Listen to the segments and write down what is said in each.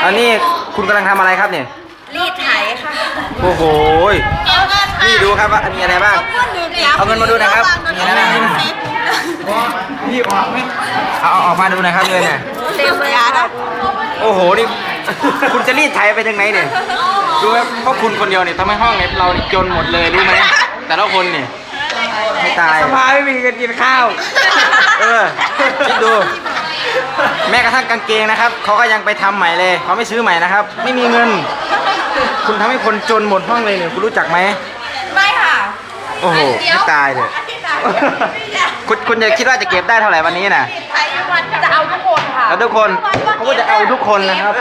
อันนี้คุณกำลังทำอะไรครับเนี่ยรีดไถค่ะโอ้โหนี่ดูครับว่ามีอะไรบ้างเอาเงินมาดูนะครับมีอะไรบ้างนี่ออกไหมเอาออกมาดูหน่อยครับเลยเนี่ยเต็มเลยนะโอ้โหนี่คุณจะรีดไถไปทางไหนเนี่ยดูครับเพราะคุณคนเดียวเนี่ยทำให้ห้องเนี่ยเราจนหมดเลยรู้ไหมแต่ละคนเนี่ยไม่ตายสภาไม่มีเงินกินข้าวคิดดูแม้กระทั่งกางเกงนะครับเขาก็ยังไปทำใหม่เลยเขาไม่ซื้อใหม่นะครับไม่มีเงินคุณทำให้คนจนหมดห้องเลยเนี่ยคุณรู้จักไหมไม่ค่ะโอ้โหไม่ตายเลยคุณจะคิดว่าจะเก็บได้เท่าไหร่วันนี้น่ะจะเอาทุกคนค่ะแล้วทุกคนเขาก็จะเอาทุกคนนะครับ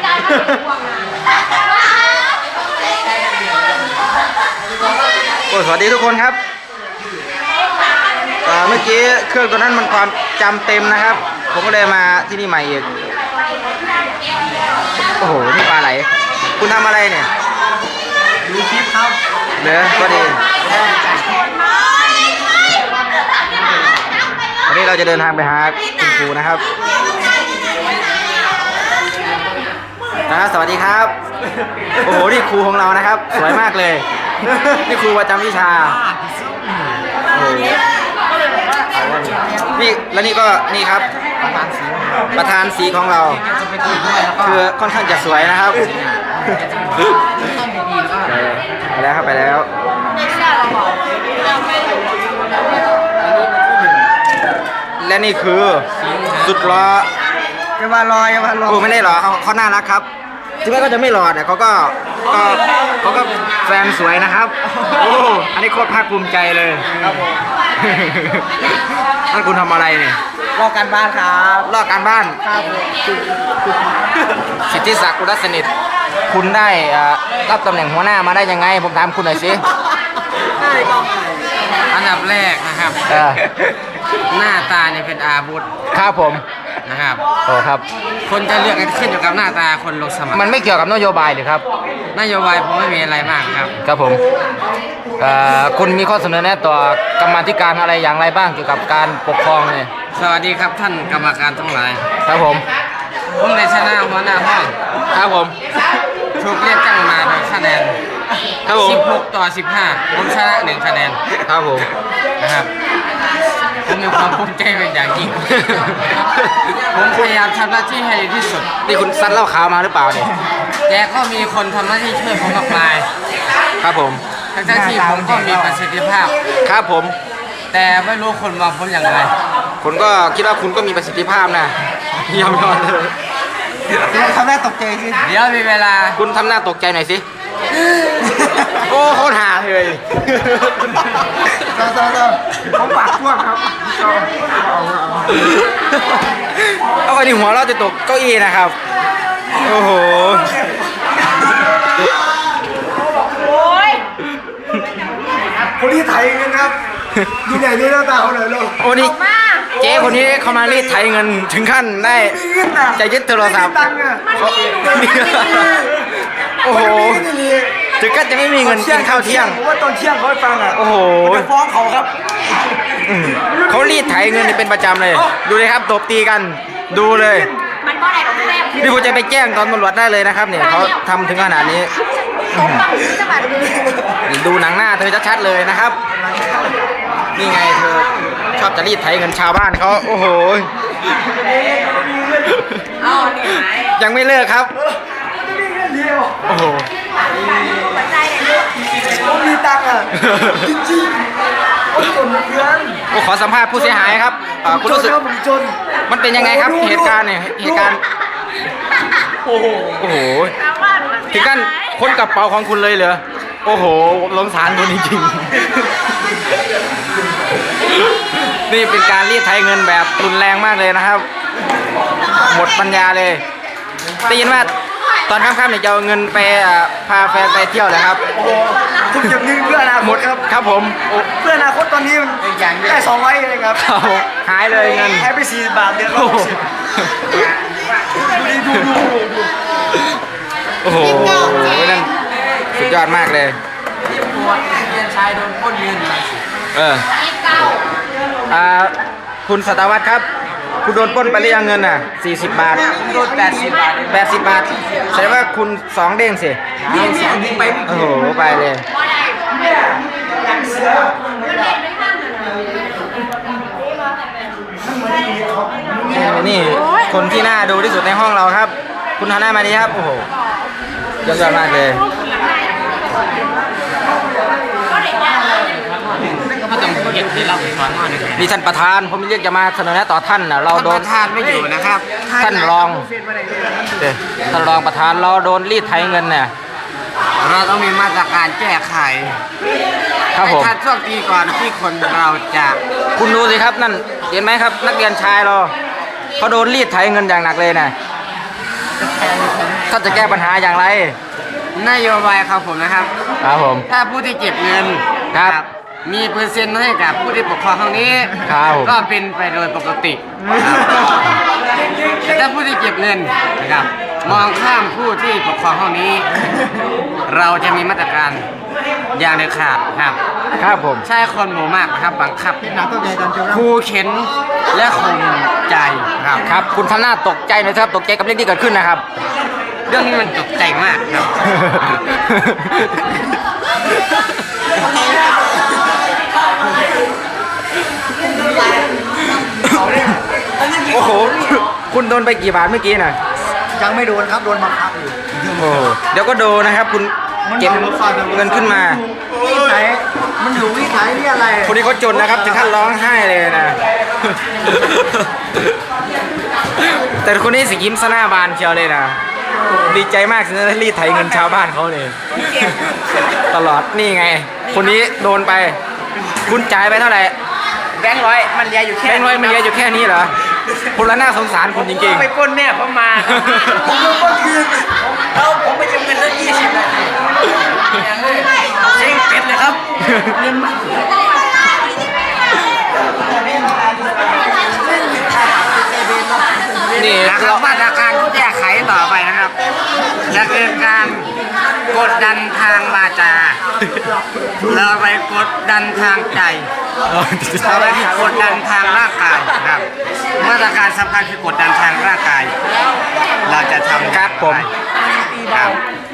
โอ้สวัสดีทุกคนครับเมื่อกี้เครื่องตัวนั้นมันความจำเต็มนะครับผมก็เลยมาที่นี่ใหม่อีกโอ้โหนี่ปลาไหลคุณทำอะไรเนี่ยดูคลิปครับเด้อก็ดีวันนี้เราจะเดินทางไปหาคุณครูนะครับสวัสดีครับโอ้โหนี่ครูของเรานะครับสวยมากเลยนี่ครูประจำวิชาโอ้นี่แล้วนี่ก็นี่ครับประธานสีของเราคือค่อนข้างจะสวยนะครับไปแล้วครับไปแล้วและนี่คือสุดหล่ออย่ามารออย่ามารอโอ้ไม่ได้หรอเขาน่ารักครับถึงแม้เขาจะไม่หล่อแต่เขาก็แฟนสวยนะครับโอ้อันนี้โคตรภาคภูมิใจเลยครับผมนั่นคุณทำอะไรเนี่ยรอการบ้านครับรอการบ้านครับสิทธิศักดิ์กุลสนิทคุณได้รับตำแหน่งหัวหน้ามาได้ยังไงผมถามคุณหน่อยสิอันดับแรกนะครับหน้าตาเนี่ยเป็นอาวุธครับผมนะครับโอ้ครับคนจะเลือกกันขึ้นอยู่กับหน้าตาคนลงสมัครมันไม่เกี่ยวกับนโยบายหรือครับนโยบายผมไม่มีอะไรมากครับครับผมคุณมีข้อเสนอแนะต่อกรรมาธิการอะไรอย่างไรบ้างเกี่ยวกับการปกครองเนี่ยสวัสดีครับท่านกรรมการทั้งหลายครับผมได้ชนะหัวหน้าห้องครับผมถูกเรียกตั้งมาโดยคะแนนครับผม 16 ต่อ 15ผมชนะ1 คะแนนครับผมนะครับผมมีความภูมิใจเป็นอย่างยิ่งผมพยายามทำหน้าที่ให้ดีที่สุดนี่คุณซัดเหล้าขาวมาหรือเปล่าเนี่ยแต่ก็มีคนทำหน้าที่ช่วยผมมากมายครับผมทั้งที่ผมก็มีประสิทธิภาพครับผมแต่ไม่รู้คนมองผมอย่างไรคุณก็คิดว่าคุณก็มีประสิทธิภาพนะยอมเลยทำหน้าตกใจสิเดี๋ยวมีเวลาคุณทำหน้าตกใจหน่อยสิโอ้โคตรหาเลยเขาปากพวกครับเอาไอ้นี่หัวเราจะตกเก้าอี้นะครับโอ้โหคนที่ไถเงินครับดูใหญ่นี่หน้าตาเขาเลยลูกโอ้นี่เจ๊คนนี้เขามารีดไถเงินถึงขั้นได้จะยึดโทรศัพท์โอ้โหถึงขั้นจะไม่มีเงินกินข้าวเที่ยงว่าตอนเที่ยงเขาให้ฟังอ่ะโอ้โหจะฟ้องเขาครับเขารีดไถเงินเป็นประจำเลยดูเลยครับตบตีกันดูเลยพี่ผู้จะไปแจ้งตอนตำรวจได้เลยนะครับเนี่ยเขาทำถึงขนาดนี้ดูหนังหน้าเธอชัดๆเลยนะครับนี่ไงเธอชอบจะรีดไถเงินชาวบ้านเขาโอ้โหยังไม่เลิกครับโอ้โหผมมีตังค์อ่ะจริงๆผมจนเพื่อนขอสัมภาษณ์ผู้เสียหายครับคุณรู้สึกมันเป็นยังไงครับเหตุการณ์เนี่ยเหตุการณ์โอ้โหถึงขั้นค้นกระเป๋าของคุณเลยเหรอโอ้โหลงสารตัวนี้จริงนี่เป็นการรีดไถเงินแบบรุนแรงมากเลยนะครับหมดปัญญาเลยได้ยินว่าตอนค่ำๆเนี่ยจะเอาเงินไปพาแฟนไปเที่ยวเลยครับทุกอย่างนี้เพื่ออนาคตครับผมเพื่ออนาคตตอนนี้ได้200เลยครับหายเลยเงินหายไป40 บาทเดือนละ60ดูโอ้โหนั่นสุดยอดมากเลยเรียนชายโดนปล้นเงินคุณสัตวัฒน์ครับคุณโดนปล้นไปหรือยังเงินน่ะ40 บาทโดน80 บาท 80 บาทแสดงว่าคุณ2 เด้งสิไปโอ้โหไปเลยนี่คนที่น่าดูที่สุดในห้องเราครับ คุณฮาน่ามาดีครับโอ้โหยอดมากเลยก็ต้องเก็บที่เราสอนมาเนี่ยนี่ท่านประธานผมเรียกจะมาเสนอแนะต่อท่านนะเราโดนทานไม่อยู่นะครับท่านรองท่านรองประธานเราโดนรีดไถเงินเนี่ยเราต้องมีมาตรการแก้ไขครับผมไม่ทันช่วงปีก่อนที่คนเราจะคุณดูสิครับนั่นเห็นไหมครับ นักเรียนชายเราเขาโดนรีดไถเงินอย่างหนักเลยนะท่านจะแก้ปัญหาอย่างไรนโยบายครับผมนะครับครับผมถ้าผู้ที่เก็บเงินครับมีเปอร์เซ็นต์ให้กับผู้ที่ปกครองห้องนี้ครับผมก็เป็นไปโดยปกติครับแต่ถ้าผู้ที่เก็บเงินนะครับมองข้ามผู้ที่ปกครองห้องนี้ เราจะมีมาตรการอย่างเด็ดขาดครับครับผมใช้คนหมู่มากนะครับบังคับขู่เข็นและข่มใจครับครับคุณทำหน้าตกใจหน่อยครับตกใจกับเรื่องที่เกิดขึ้นนะครับเรื่องนี้มันตกใจมากครับโอ้โหคุณโดนไปกี่บาทเมื่อกี้น่ะยังไม่โดนครับโดนบังคับอยู่โอ้เดี๋ยวก็โดนนะครับ คุณเก็บเงินขึ้นมาวิสัยมันอยู่วิสัยนี่อะไรคนนี้เขาจนนะครับถึงขั้นร้องไห้เลยนะ แต่คนนี้สิยิ้มซะหน้าบานเชียวเลยนะดีใจมากสินะรีดไถเงินชาวบ้านเขาเลยตลอดนี่ไง คนนี้โดนไป คุณจ่ายไปเท่าไหร่แบงค์ร้อยมันเลียอยู่แค่แบงค์ร้อยมันเยอะอยู่แค่นี้เหรอคุณละน่าสงสารคุณจริงไปปล้นแม่ผมมาแล้วผมไปยืมเงินสัก20 นาทีเจ๊งเป็ดเลยครับๆนี่นะครัเราบมาตรการที่แก้ไขต่อไปนะครับจะเป็นการกดดันทางวาจาเราไปกดดันทางใจเราไปกดดันทางร่างกายครับมาตรการสำคัญคือกดดันทางร่างกาย เราจะทำครับผมครับ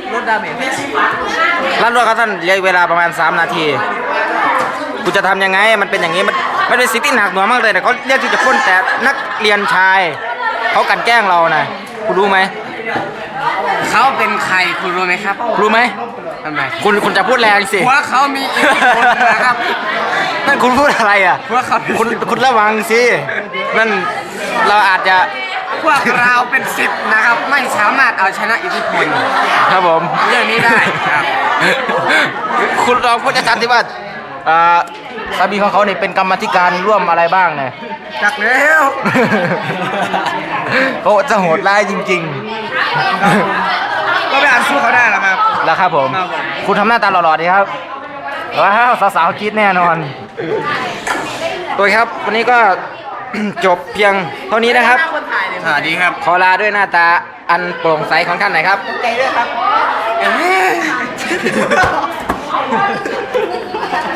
ร้านรวดครับท่านเหลือเวลาประมาณ3 นาทีคุณจะทำยังไงมันเป็นอย่างนี้มันเป็นสิ่งที่หนักหน่วงมากเลยแต่เขาเรียกที่จะพ้นแต่นักเรียนชายเขากลั่นแกล้งเรานะคุณรู้ไหมเขาเป็นใครคุณรู้ไหมครับรู้ไหมทำไมคุณจะพูดแรงสิหัวเขามีอิทธิพลนะครับนั่นคุณพูดอะไรอ่ะหัวเขาคุณระวังสินั่นเราอาจจะพวกเราเป็น10นะครับ ไม่สามารถเอาชนะอิทธิพลครับผมเรื่องนี้ได้ครับคุณลองพูดชัดๆที่ว่าสามีของเขาเนี่ยเป็นกรรมาธิการร่วมอะไรบ้างเนี่ยจักแล้วเขาจะโหดร้ายจริงก็ไปอ่านสู้เขาได้หรอครับๆแล้วครับผมครับผมคุณทำหน้าตาหล่อๆดีครับว้าวสาวๆคิดแน่นอนตัวครับ วันนี้ก็ จบเพียงเท่านี้นะครับสวัสดีครับขอลาด้วยหน้าตาอันโปร่งใสของท่านหน่อยครับใจด้วยครับ